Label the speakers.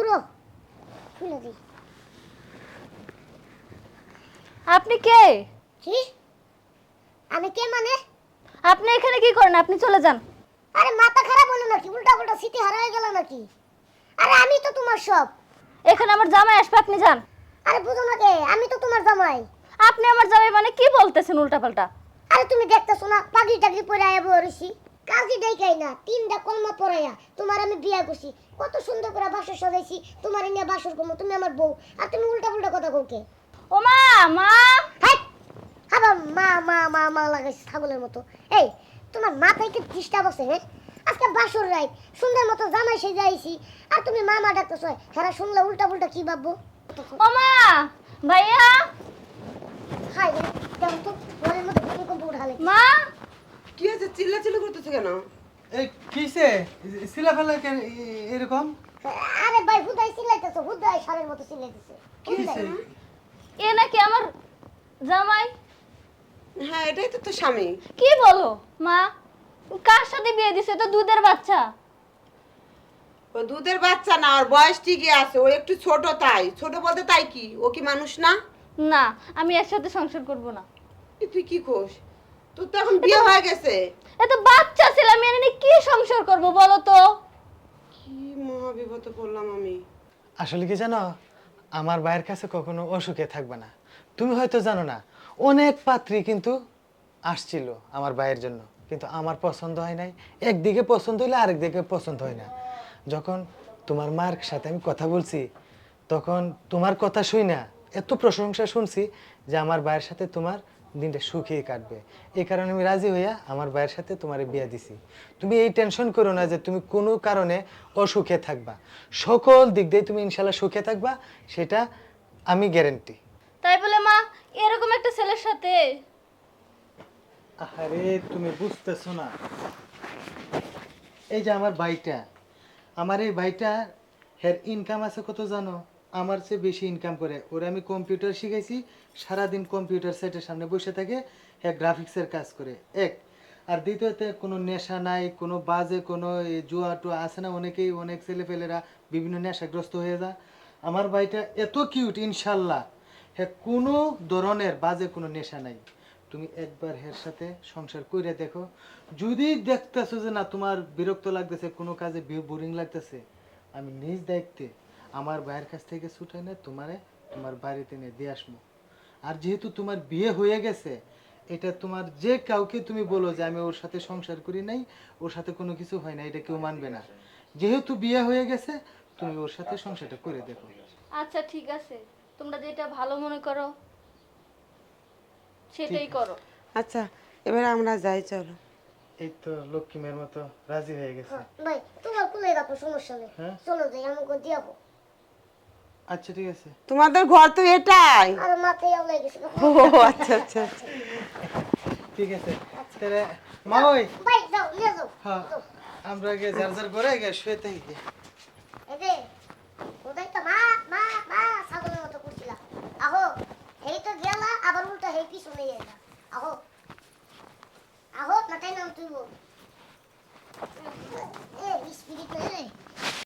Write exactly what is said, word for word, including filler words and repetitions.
Speaker 1: ঘুরো খুলে দি।
Speaker 2: আপনি কে?
Speaker 1: কি আমি কে মানে?
Speaker 2: আপনি এখানে কি করেন? আপনি চলে যান।
Speaker 1: আরে মাথা খারাপ হলো নাকি? উল্টা উল্টা সিটি হারায় গেল নাকি? আরে আমি তো তোমার সব।
Speaker 2: এখানে আমার জামাই আসবে, আপনি যান।
Speaker 1: আরে বুঝো না কে, আমি তো তোমার জামাই।
Speaker 2: আপনি আমার জামাই মানে কি বলতেছেন উল্টাপাল্টা?
Speaker 1: আরে তুমি দেখতেছো না পাগড়ি টাগড়ি পরে আয়া বসি, কাজী ডাইকাই না তিনটা কলমা পড়াইয়া তোমার আমি বিয়া করছি, কত সুন্দর করে বাসর সাজাইছি, তোমার নিয়ে বাসর করবো, তুমি আমার বউ, আর তুমি উল্টা পুল্টা কথা কওকে।
Speaker 2: ও মা, মা।
Speaker 1: হাই আবার মা মা মা মা লাগাইছে ছাগলের মতো। এই তোমার মাথায় কি ডিস্টার্ব আছে? হ্যাঁ আজকে বাসর রাত সুন্দর মতো জামাই সেজে আইছি, আর তুমি মা মা ডাকতেছো। হ্যাঁ শুনলে উল্টা পুল্টা কি ভাববো?
Speaker 2: ও মা, ভাইয়া।
Speaker 1: হাই রে দেখো তো ঘরের মধ্যে ভূমিকম্প উঠালে।
Speaker 2: মা।
Speaker 3: কি আছে চিল্লাচিল্লি করতেছে কেন?
Speaker 4: এই কিসে সিলা ফেলা কেন এ- এরকম?
Speaker 1: আরে ভাই হুদাই চিল্লাইতেছো, হুদাই সারের মতো চিল্লাইতেছে।
Speaker 4: কিসে?
Speaker 2: এ নাকি আমার জামাই?
Speaker 3: হ্যাঁ এটাই তো তোর স্বামী।
Speaker 2: কি বলো মা? কার সাথে বিয়ে দিছে? তো দুধের বাচ্চা।
Speaker 3: ও দুধের বাচ্চা না, ওর বয়স ঠিকই আছে, ও একটু ছোট, তাই ছোট বলতে তাই কি ও কি মানুষ না?
Speaker 2: না, আমি একসাথে সংসার করব না।
Speaker 3: এ তুই কি কোস? তোর তো এখন বিয়ে হয়ে গেছে।
Speaker 2: এ তো বাচ্চা ছিল, আমি এনে নিয়ে কি সংসার করব বলো তো?
Speaker 3: কি মহাবিপদে পড়লাম আমি।
Speaker 4: আসলে কি জানো, আমার ভাইয়ের কাছে কখনো অসুখে থাকবে না। তুমি হয়তো জানো না, অনেক পাত্রী কিন্তু আসছিল আমার ভাইয়ের জন্য, কিন্তু আমার পছন্দ হয় নাই। একদিকে পছন্দ হইলে আরেক দিকে পছন্দ হয় না। যখন তোমার মার সাথে আমি কথা বলছি, তখন তোমার কথা শুই না এত প্রশংসা শুনছি যে আমার ভাইয়ের সাথে তোমার দিনটা সুখেই কাটবে। এই কারণে আমি রাজি হইয়া আমার ভাইয়ের সাথে তোমার বিয়ে দিছি। তুমি এই টেনশন করো না যে তুমি কোনো কারণে অসুখে থাকবা। সকল দিক দিয়ে তুমি ইনশাল্লাহ সুখে থাকবা, সেটা আমি গ্যারেন্টি।
Speaker 2: তাই বলে মা এরকম একটা ছেলের সাথে?
Speaker 4: আরে তুমি বুঝতেছো না, এই যে আমার ভাইটা, আমার এই ভাইটা হের ইনকাম আছে কত জানো? আমার চেয়ে বেশি ইনকাম করে। ওরা আমি কম্পিউটার শিখাইছি, সারাদিন কম্পিউটার সেটের সামনে বসে থাকে, হ্যাঁ গ্রাফিক্সের কাজ করে এক। আর দ্বিতীয়তে কোনো নেশা নাই, কোনো বাজে কোনো এই জুয়া টুয়া আছে না, অনেকেই অনেক ছেলেপেলেরা বিভিন্ন নেশাগ্রস্ত হয়ে যায়। আমার ভাইটা এত কিউট ইনশাল্লাহ, হ্যাঁ কোনো ধরনের বাজে কোনো নেশা নাই। তুমি একবার হের সাথে সংসার করে দেখো, যদি দেখতেছো যে না তোমার বিরক্ত লাগতেছে, কোনো কাজে বোরিং লাগতেছে, আমি নিজ দায়িত্বে আমার ভাইয়ের কাছ থেকে ছুটাই না তোমারে তোমার বাড়িতে নিয়ে দিয়ে আসবো। আর যেহেতু তোমার বিয়ে হয়ে গেছে, এটা তোমার যে কাউকে তুমি বলো যে আমি ওর সাথে সংসার করি নাই, ওর সাথে কোনো কিছু হয় না, এটা কেউ মানবে না। যেহেতু বিয়ে হয়ে গেছে, তুমি ওর সাথে সংসারটা করে দেখো।
Speaker 2: আচ্ছা ঠিক আছে, তোমরা যেটা ভালো মনে করো সেটাই করো।
Speaker 3: আচ্ছা এবার আমরা যাই, চলো।
Speaker 4: এই তো লক্ষ্মী মেয়ের মতো রাজি হয়ে গেছে।
Speaker 1: ভাই তোমার কোলে রাখো, সমস্যা নেই।
Speaker 4: হ্যাঁ?
Speaker 1: চলো যাই, আমাকে দিয়াবো।
Speaker 4: আচ্ছা ঠিক আছে।
Speaker 3: তোমাদের ঘর তো এটাই?
Speaker 1: আর মাথায় আওলাই গেছে।
Speaker 3: ও আচ্ছা আচ্ছা আচ্ছা।
Speaker 4: ঠিক আছে তাহলে মা ওই
Speaker 1: ভাই যাও নিয়ে যাও।
Speaker 4: হ্যাঁ আমরা আগে যার যার ঘরে আগে শুয়ে থাকি।